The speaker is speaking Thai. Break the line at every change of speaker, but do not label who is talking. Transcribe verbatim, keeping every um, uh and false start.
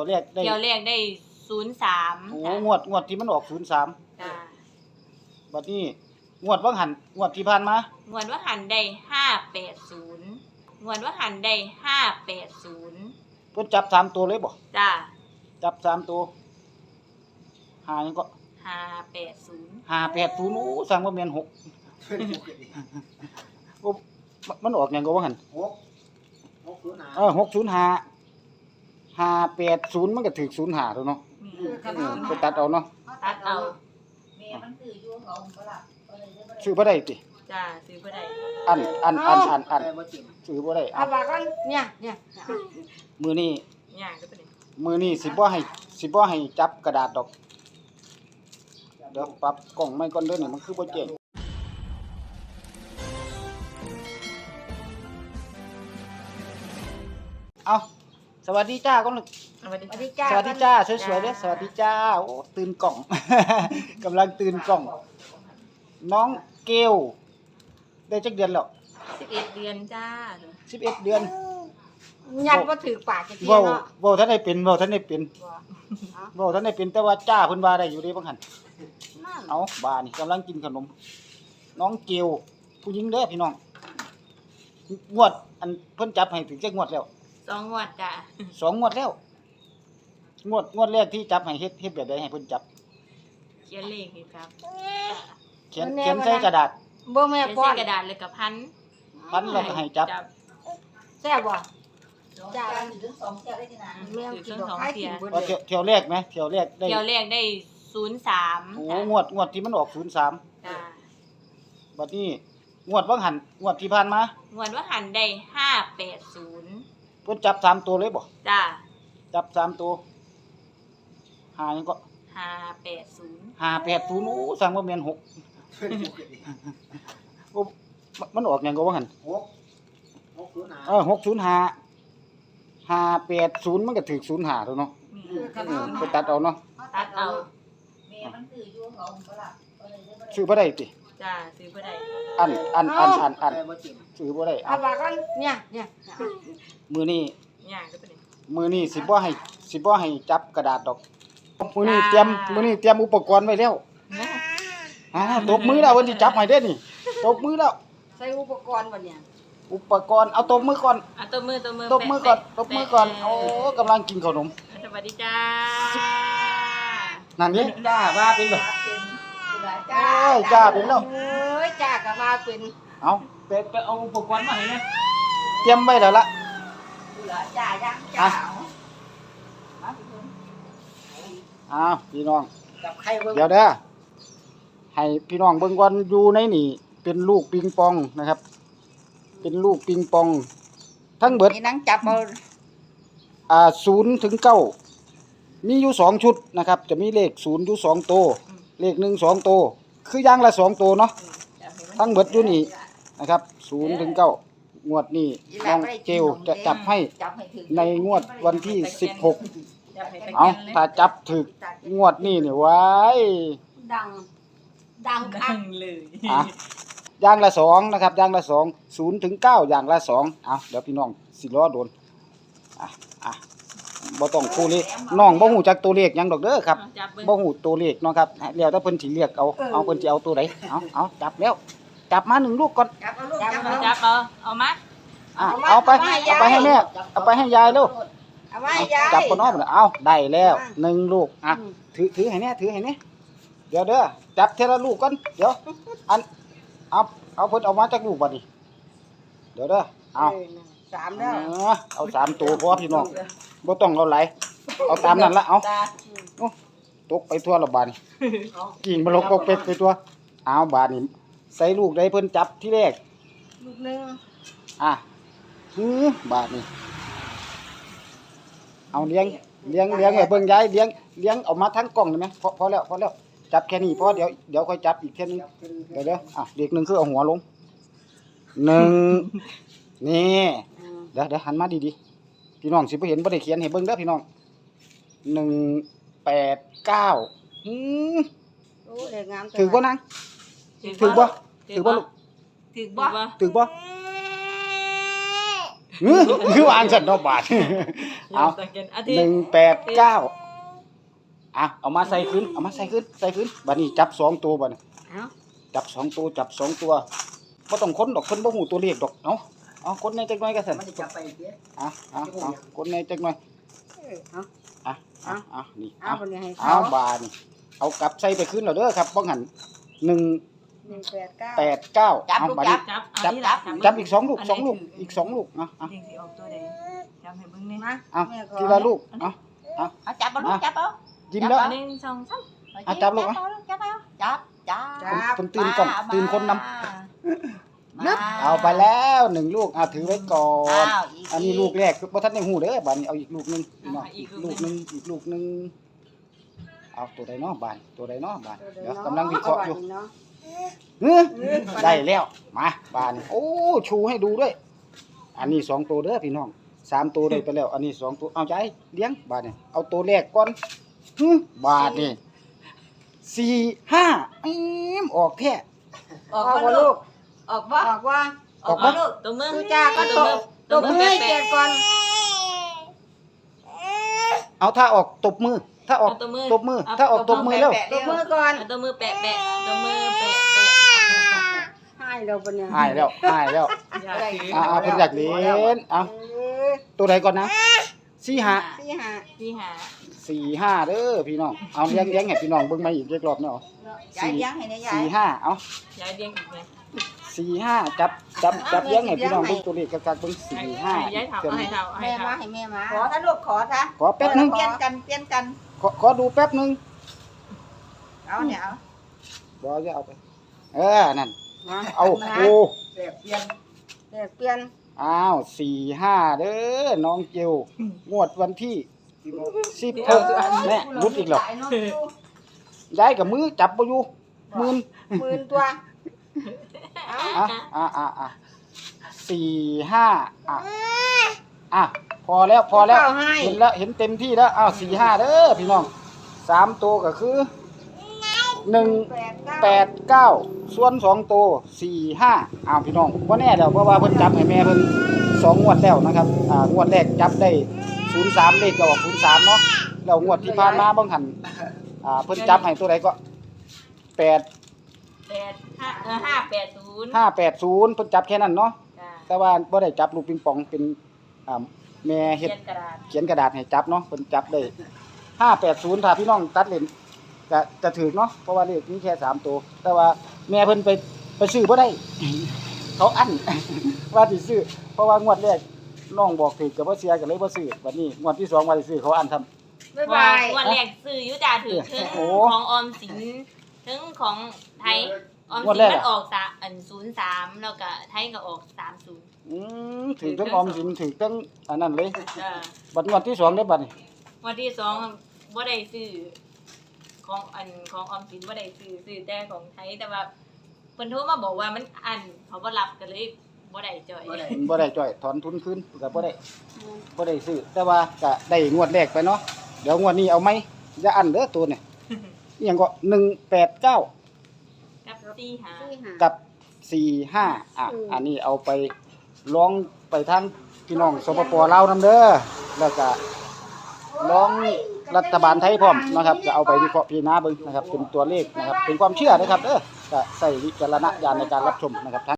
แรกได้
เที่ยวแรกได้ศูนย์สาม
โอ้งวดงวดที่มันออกศูนย์สาม
จ้า
บัดนี้งวดว่างหันงวดที่ผ่านมาง
วดว่าหันได้ห้าแปดศูนย์งวดว่าหันได้ห้าแปดศูนย์
เพิ่นจับสามตัวเลยบ่
จ้า
จับสามตัวหาหยังก็
ห้าแปดศูนย์
ห้าแปดศูนย์โอ้สั่งบ่แม่นหกโอ้มันออกหยังก็ว่าหั่น
หกหกศูนย์ห้า
เออหกศูนย์ห้า ห้าแปดศูนย์มันก็ถูกศูนย์ห้าแล้วเนาะ
นี่
เออไปตัดเอาเนาะ
ตัดเอา
แม่มันซื้ออยู่เขาบ่ล่ะก็เลยได้บ่ได้
ซื้อบ่ได้ติ
จ้าซื้อบ่ได้
อันอันอันอันอัน
แต่บ่จริง
ซื้อบ่ได้
เอา
อ่ะ
ว่ากันเนี่ยเนี่ย
มื้อนี้
ย่างก็ตัวนี้
มื้อนี้สิบ่ให้สิบ่ให้จับกระดาษดอกเดี๋ยวปรับกล้องใหม่ก่อนเด้อนี่มันคือบ่แจ้งเอาสวัสดีจ้าก่อนลูก
สวัสดี
สวัสดี
จ้า
จ้า
สวัสดีจ้าสวยๆเด้อสวัสดีจ้าโอ้ตื่นกล่อง กำลังตื่นกล่อง น้องเกลได้จักเดือนแล้ว
สิบเอ็ดเดือนจ้า
สิบเอ็ดเดือน
ยันบ่ถือปากจะเที่ย
เว้า
เนาะ
เว้าท่านได้เป็นเว้าท่านได้เป็น
บ่
เว้าท่านได้เป็นแต่ว่าจ้าเพิ่นว่าได้อยู่เด้บางหั่น
นั่น
เอาบานี่กำลังกินขนม น้องเกลผู้หญิงเด้อพี่น้องงวดอันเพิ่นจับให้ถึงจักงวดแล้ว
สองงวดจ้า
สองงวดแล้ว งวดงวดแรกที่จับให้เฮ็ดเฮ็ดแบบใดให้เพิ่นจับ
เขียนเลขนี่ครับ
เขียนเขียนใส่กระดาษ
บ่แม่
เขียน
ป้อ
ใส่
น
กระดาษเลยกับพัน
พันแล้วก็ให้จับ
แซ่บบ่
จ้าถึงสองเที่ยวได้ที่ไหน
แม่กินดอกไม้กินเบิด
ว่า
เล
เที่ยวย เที่ยวแรกไหมเที่ยวแรกได้
เที่ยวแรกได้ศูนย์สาม
โอ้งวดงวดที่มันออกศูนย์สาม
จ้า
บัดนี้งวดว่างหันงวดที่ผ่านมาง
วดว่าหันได้ห้าแปดศูนย์
เพิ่นจับสามตัวเลยบ่
จ้า
จับสามตัวหาหยังก็
ห้าแปดศูนย์
ห้าแปดศูนย์โอ้สั่งบ่แม่นหกโอ้มันออกหยังก็ว่าหั่น
หกหกศูนย์ห้า
เออหกศูนย์ห้า ห้าแปดศูนย์มันก็ถูกศูนย์ห้าแล้วเนาะ
นี่
เออไปตัดเอาเนาะ
ตัดเอา
แม่มันซื้ออยู่เขาบ่ล่ะก็เลยได้บ่ได้
ซื้อบ่ได้ติ
จ้าซื้อบ่ได้
อันอันอันอันอัน
แต่บ่จริง
ซื้อบ่ได้
เอา
อ่ะ
ว่ากันเนี่ยเนี่ย
มื้อนี้
ย่างก็ตัวนี้
มื้อนี้สิบ่ให้สิบ่ให้จับกระดาษดอกมื้อนี้เตรียมมื้อนี้เตรียมอุปกรณ์ไว้แล้วอ่าตบมือแล้วเพิ่นสิจับให้เด้อนี่ตบมือแล้ว
ใส่อุปกรณ์บ่เนี่ย
อุปกรณ์เอาตบมือก่อน
อ่ะตัวมือตัวมือ
ตบมือก่อน
แปะ
ตบมือก่อน
แปะ
โอ้กำลังกินขนม
สวัสดีจ้า
นั่นนี่จ้าว่าเป็นบ่
เป็นผู้หลาย
โอ้
จ้าย
จ้าเป็นแล้ว
เอ้ยจ้าก็ว่าเป็น
เอาไปไปเอาอุปกรณ์มาให้นะเตรียมไว้แล้วล่ะ
ผู้หลายจ้ายังจ้า
อ้าวพี่น้อง
กับใครเบิ่ง
เดี๋ยวเด้อให้พี่น้องเบิ่งก่อนอยู่ในนี่เป็นลูกปิงปองนะครับ เป็นลูกปิงปอง ทั้งเบิด
นี่นั่งจับเอา
อ่าศูนย์ถึงเก้ามีอยู่สองชุดนะครับ จะมีเลขศูนย์อยู่สองตัวเลขหนึ่งสองตัวคืออย่างละสองตัวเนาะทั้งเบิดอยู่นี่นะครับศูนย์ถึงเก้างวดนี้น้องเจลจะจับให้
จับให้ถึง
ในงวดวันที่สิบหก
จับให้ตะ
เอา
แกรงลย
ถ้าจับถึกงวดนี้นี่ไว้
ดัง ดังคั
ดั
ก
งเลย
อ่ะอย่างละสองนะครับอย่างละสองศูนย์ถึงเก้าอย่างละสองเอาเดี๋ยวพี่น้องสิล้อโดนอ่ะอ่ะบ่ต้องคู่เลขน้องบ่ฮู้จักตัวเลขหยังดอกเด้อครับ
เอาจับเบิ่ง
บ่ฮู้ตัวเลขเนาะครับแล้วแต่เพิ่นสิเรียกเอาเอาเพิ่นสิเอาตัวใดเอาเอาจับแล้ว จับมาหนึ่งลูกก่อน
จับเอาลูก
จับ
จับ
เอา
เอา
จับเอาเอามา
อ่ะเอาไปเอาไปให้แม่เอาไปให้ยายเร็ว
เอาไว้
เอา
ยาย
จับคนน้องเอาได้แล้วหนึ่งลูกอ่ะ
อืม
ถือถือให้แน่ถือให้แน่เดี๋ยวเด้อจับเทละลูกก่อนเดี๋ยวอันเอาเอาเพิ่นเอามาจากลูกบัดนี้เดี๋ยวเด้อเอา
เออสามแล้ว
เออเอาสามตัวพอพี่น้องบ่ต้องเอาหลายเอาตามนั้นละเอา
จ้า
โอ้ตกไปทั่วละบาดนี่กิ่งบ่ลงปกเป็ดไปตัวเอาบาดนี่ใส่ลูกใดเพิ่นจับที่แรก
ลูกหนึง
อ่ะหือบาดนี่เอาเลี้ยงเลี้ยงเลี้ยงไว้เบิ่งยายเลี้ยงเลี้ยงออกมาทั้งกล่องได้ไหมพอพอแล้วพอแล้วจับแค่นี้พอเดี๋ยวเดี๋ยวค่อยจับอีกแค่นึงเดี๋ยวเดี๋ยวอ่ะเด็กหนึ่งคือเอาหัวลงหนึ่งนี่
อืม
เดี๋ยวเดี๋ยวหันมาดีๆพี่น้องสิบ่เห็นบ่ได้เขียนให้เบิ่งเด้อพี่น้องหนึ่งแปดเก้าหืม
โอ้เด็กงาม
ถือบ่นางถือบ่ถือบ่ลูก
ถือบ่
ถือบ่หือคือวางสันเนาะบาท เอา
ตะเกียนอาทิต
หนึ่ง
ย์
แปด เก้าอ่ะเอามาใส่ขึ้นเอามาใส่ขึ้นใส่ขึ้นบัดนี้จับสองตัวบัดนี้
เอ้า
จับสองตัวจับสองตัวบ่ต้องค้นดอกเพิ่นบ่ฮู้ตัวเลขดอกเอ้าเอาคนในจักหน่อยก็ซั่น
มันจะจับไปเด้
อ่ะอ่ะอ่ะคนในจักหน่อย
เออเอา
อ่ะอ่ะอ่ะนี่
เอา
เอา
บ่ได้ให้
เอา
เขา
บาดนี่เอากลับใส่ไปขึ้นแล้วเด้อครับบ่หันหนึ่ง
หนึ่งแปดเก้า
แปดเก้า
จับ
เอา
ลูก
บัด
จั
นี้
บ
จับ
จับ
เอาที่รัก
จับอีกสองลูกสองลูกอีกสองลูกอ่ะอ่ะ
เด็กสิออกตัวใดจับให้เบิ่งนี่
มา
เอา
แม่ขอ
ทีละลูกเอา
เอาจับเอาลูกจับเอา
ยิ้มแล้ว
หนึ่งสองสาม
อ่ะจับลูกอ่ะ
จับเอาจับจับ
จับ
เพิ่นตื่นก่อน
มา
ตื่นคนนำ
มา
เอาไปแล้วหนึ่งลูกอ่ะถือไว้ก่อน
อ้าวก
อันนี้ลูกแรกบ่ทันได้ฮู้เด้อบาดนี้เอาอีกลูกหนึงพี่น้อง
อ่ะอี
อี
ก
ก
ลู
ลู
ก
ก
ห
ห
นึ่
นึ
ง
งอีกลูกหนึงเอาตัวใดเนาะบาดตัวใดเนาะบาด
ตัว
เดี๋ยว
นาะ
กำลังวิเคราะห์อยู่
เนาะ
เฮ้ยได้แล้วมาบานโอ้ชูให้ดูด้วย อันนี้สองตัวเด้อพี่น้องสามตัวได้ไปแล้ว อันนี้สองตัวเอาใจเลี้ยงบาทนี่เอาตัวแรกก่อนฮึบาทนี่สี่ห้าอีมออกแท้
ออก
ออก
ว่า
ว่า
ลู
ลู
ก
ก
ออกว่า
ออกว่า
ออกว่าลูก
ตัวมือ
ตู้จ้าก็
ตัว
ต
มื
บ
อ
ตบมือให้เกียรติก่อน
เอาถ้าออกตบมือ ถ้าออก
เอาตัวมือ
ตบมือ ถ้าออกตบมือแล้ว
ตบมือก่อน
เอาตัวมือแปะแปะตัวมือแปะแปะ
ให้เราปะเนี่ย
หายแล้วหายแล้ว
อย่าถือ
อ่าเพิ่นอยากเล่นเอา
เออ
ตัวใดก่อนนะสี่ห้า
สี่ห้า
ที่หา
สี่ห้าเด้อพี่น้องเอาเลี้ยงเลี้ยงให้พี่น้องเบิ่งมาอีกเรียกรอบเนาะ
ยายเลี้ยงให้นะยาย
สี่ห้าเอา
ยายเลี้ยงอีกไหม
สี่ห้าจับจับจับเลี้ยงให้พี่น้องเบิ่งตัวเลขกักๆเบิ่งสี่ห้า
ให้ยายถามเอาให้ถามเอาให้
แม่
ถา
มาม ให้แม่มา
ขอถ้าลูกขอถ้า
ขอแป๊บนึง
เปลี่ยนกันเปลี่ยนกัน
ขอขอดูแป๊บนึง
เอาเนี่ยเอา
บ่จะเอาไป เออนั่น
มา
เอาโอ้
แปดเปลี่ยน
แตกเปลี่ยน
อ้าวสี่ห้าเด้อน้องเจลงวดวันที่สิบหกแม่รุดอีกแล้วย้ายกับมือจับบ่อยู่มืน
หมื่นตัวเอา
อ่ะอ่ะอ่ะอ่ะสี่ห้าอ่ะอ่ะพอแล้วพอแล้ว
เข้าให้
เห็นแล้วเห็นเต็มที่แล้วอ้าวสี่ห้าเด้อพี่น้องสามตัวก็คือหนึ่ง
แปดเก้า
แปดเก้าส่วนสองตัวสี่ห้าอ้าวพี่น้องว่าแน่แล้วเพราะว่าเพิ่นจับให้แม่เพิ่นสองงวดแล้วนะครับอ่างวดแรกจับได้ศูนย์สามเลขก็ออกศูนย์สามเนาะแล้วงวดที่ผ่านมาบางหันอ่าเพิ่นจับให้ตัวใดก็แปด
แปดห้าเออห้าแปดศูนย์
ห้าแปดศูนย์เพิ่นจับแค่นั้นเนาะ
จ้า
แต่ว่าบ่ได้จับลูกปิงปองเป็นอ่าแม่เฮ็
เขี
ด
ยนกระดาษ
เขียนกระดาษให้จับเนาะเพิ่นจับได้ห้าแปดศูนย์ถ้าพี่น้องตัดเล่นก็จะถูกเนาะเพราะว่าเลขมีแค่สามตัวแต่ว่าแม่เพิ่นไปไปซื้อบ่ได้ เขาอั้น ว่าสิซื้อเพราะว่างวดแรกน้องบอกถูกก็บ่เสียก็เลยบ่ซื้อบัดนี้งวดที่สองว่าสิซื้อเขาอั้นทำ
บ๊าย
ว่า
บาย
วันแรกซื้ออยุจ่าถือถึง
โอ้
ของออมสินถึงของไทยออม
งวด
สิน
แรก
มัน
อะ
ออกสาอันศูนย์สามแล้วก็ไทยก็ออกสามศูนย์
อืมถือทั้งออมสินถือทั้งอันนั้นเลย
จ้า
บัดงวดที่สองได้บัดนี้
วันที่สองบ่ได้ซื้อของอันของออมสินบ่ได้ซื้อซื้อแต่ของไทยแต่ว่าเพิ่นโทรมาบอกว่ามันอันเขาบ่รับก็เลยบ่ได้จ่อย
บ่ได้
บ่ได้จ่อยถอนทุนคืนก็บ่ได้บ่ได้ซื้อแต่ว่าก็ได้งวดแรกไปเนาะเดี๋ยวงวดนี้เอาไหมอย่าอั้นเด้อตัวเนี่ยอีหยังก็หนึ่งแปดเก้า
กับสี่หา
สี่ห้า
กับสี่ห้าอ่ะ
อืม
อันนี้เอาไปร้องไปทางพี่น้องสปปลาวนำเด้อแล้วก็ร้องรัฐบาลไทยพร้อมนะครับก็เอาไปวิเคราะห์พิจารณาเบิ่งนะครับเป็นตัวเลขนะครับเป็นความเชื่อนะครับเด้อก็ใส่วิจารณญาณในการรับชมนะครับ